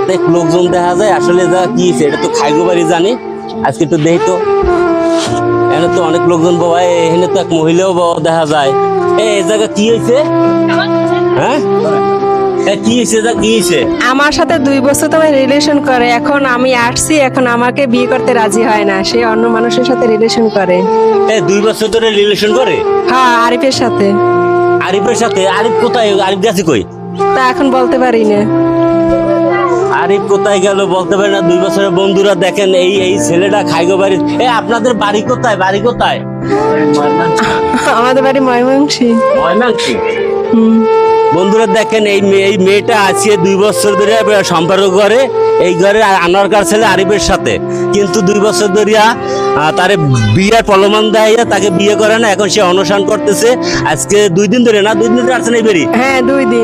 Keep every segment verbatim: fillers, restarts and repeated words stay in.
অনেক লোকজন দেখা যায়, আসলে যা কি হয়েছে এটা তো খাইগো বাড়ি জানি, আজকে একটু দেখি তো। এখানে তো অনেক লোকজন বাবা, এখানে তো এক মহিলাও বাবা দেখা যায়। এই জায়গা কি হয়েছে? হ্যাঁ কি হয়েছে, যা কি হয়েছে? আমার সাথে দুই বছর তোমার রিলেশন করে, এখন আমি আসছি, এখন আমাকে বিয়ে করতে রাজি হয় না, সে অন্য মানুষের সাথে রিলেশন করে। এই দুই বছর ধরে রিলেশন করে? হ্যাঁ, আরিফের সাথে। আরিফের সাথে? আরিফ কোথায়? আরিফ গেছে কই? তা এখন বলতে পারি না। আরিফ কোথায় গেল বলতে পারি না। দুই বছরের বন্ধুরা দেখেন, এই এই ছেলেটা খাইগো বাড়ি। এ আপনাদের বাড়ি কোথায়? বাড়ি কোথায়? আমাদের বাড়ি ময়মনসিংহ। ময়মনসিংহ। হুম। বন্ধুরা দেখেন, এই মেয়ে এই মেয়েটা আছে দুই বছর ধরে সম্পর্ক করে এই ঘরে আনোয়ারকার ছেলে আরিফের সাথে, কিন্তু দুই বছর ধরিয়া তারে বিয়ের প্রলোভন দেয়, তাকে বিয়ে করে না। এখন সে অনশন করতেছে, আজকে দুই দিন ধরে না, দুই দিন ধরে আসছে না এই বাড়ি? হ্যাঁ, দুই দিন।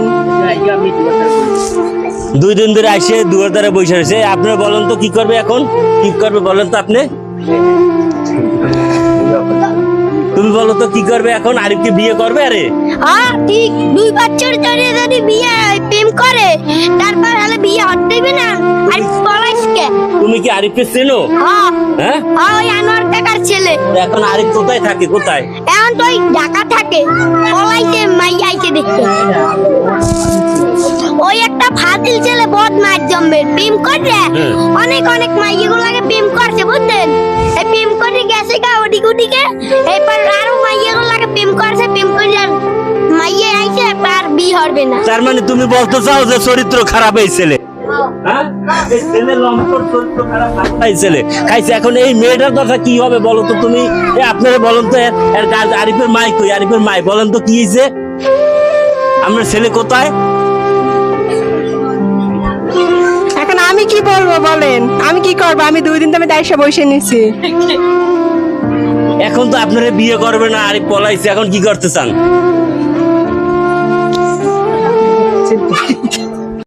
দুই দিন ধরে আসে দুয়ার দ্বারা বসে রয়েছে। আপনারা বলেন তো কি করবে এখন? কি করবে বলেন তো আপনি? তুমি বলো তো কি করবে এখন? আরিফকে বিয়ে করবে? আরে হ্যাঁ ঠিক, দুই বছর ধরে যদি বিয়ে প্রেম করে তারপর হলে বিয়ে হতেইবে না। আর পলাশকে তুমি কি আরিফকে চেনো? হ্যাঁ হ্যাঁ হ্যাঁ, ওই আনোয়ার কাকার ছেলে। এখন আরিফ কোথায় থাকে? কোথায় এখন তো ওই ঢাকা থাকে, পলাইতে মাইয়া আইতে দেখতে। ওই একটা ফাজিল ছেলে বদমাশ জম্মের প্রেম করে অনেক অনেক মাইয়াগুলোকে প্রেম করছে বুঝলেন। এই প্রেম করে গেছে গা ওডি গুডিকে, এরপর আরো মাইয়াগুলোকে প্রেম করছে, প্রেম করে মাইয়া আইছে, আর বিয়ে হবে না। তার মানে তুমি বলতে চাও যে চরিত্র খারাপ এই ছেলে? হ্যাঁ? এই ছেলে লম্পট, চরিত্র খারাপ, এই ছেলে খাইছে। এখন এই মেয়েটার কথা কি হবে বলো তো তুমি? এ আপনারা বলেন তো, এর কাজ আরিফের মাই কই? আরিফের মাই বলেন তো কি হয়েছে? আমার ছেলে কোথায়? এখন আমি কি বলবো বলেন? আমি কি করবো? আমি দুই দিন তো আমি দায়িত্ব বসে নিছি। এখন তো আপনারা বিয়ে করবে না, আরিফ পলাইছে, এখন কি করতে চান?